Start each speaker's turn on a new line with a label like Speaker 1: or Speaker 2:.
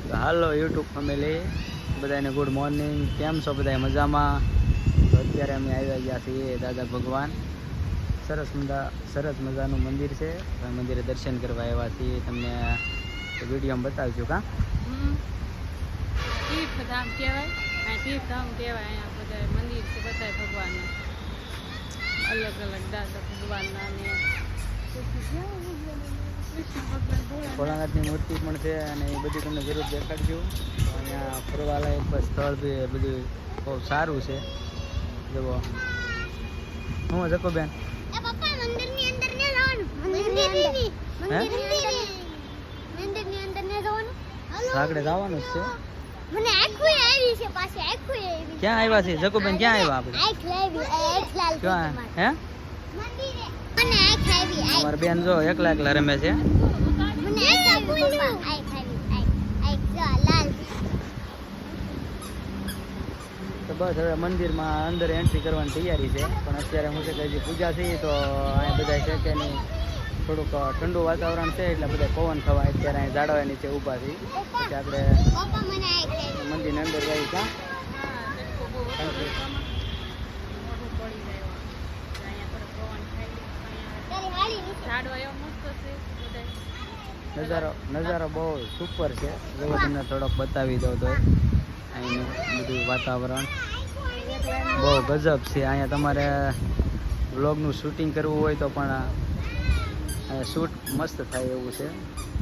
Speaker 1: હાલો YouTube family, બધાને good morning. કેમ છો બધા? મજામાં? તો અત્યારે અમે આવ્યા ગયા છીએ દાદા ભગવાન. સરસ મજાનું મંદિર છે. મંદિરે દર્શન કરવા આવ્યા છીએ. તમને વિડીયોમાં બતાવજો. કાં
Speaker 2: તીર્થધામ કહેવાય, તીર્થધામ કહેવાય. અહીંયા બધા મંદિર છે, બધા ભગવાનના અલગ અલગ દાદા ભગવાનના ને
Speaker 1: ભોળાનાથની મૂર્તિ પણ છે અને એ બધી તમને જરૂર દેખાડજો. અહીંયા ફરવાલાયક સ્થળ બી બધું બહુ સારું છે. જુઓ હું જકોબેન આગળ જવાનું જ છે. ક્યાં આવ્યા છે જકોબેન? ક્યાં આવ્યા આપણે? ક્યાં હે? અમારા બેન જો એકલા રમે છે. તો બસ હવે મંદિરમાં અંદર એન્ટ્રી કરવાની તૈયારી છે. પણ અત્યારે હું છે કે હજી પૂજા થઈ તો અહીંયા બધા છે કે નહીં, થોડુંક ઠંડુ વાતાવરણ છે એટલે બધા પવન થવા અત્યારે અહીં ઝાડવા નીચે ઊભા થઈ. પછી આપણે મંદિરની અંદર જઈએ. ક્યાં નજારો બહુ સુપર છે. જો તમને થોડોક બતાવી દઉં તો અહીંનું બધું વાતાવરણ બહુ ગજબ છે. અહીંયા તમારે વ્લોગનું શૂટિંગ કરવું હોય તો પણ અહીંયા શૂટ મસ્ત થાય એવું છે.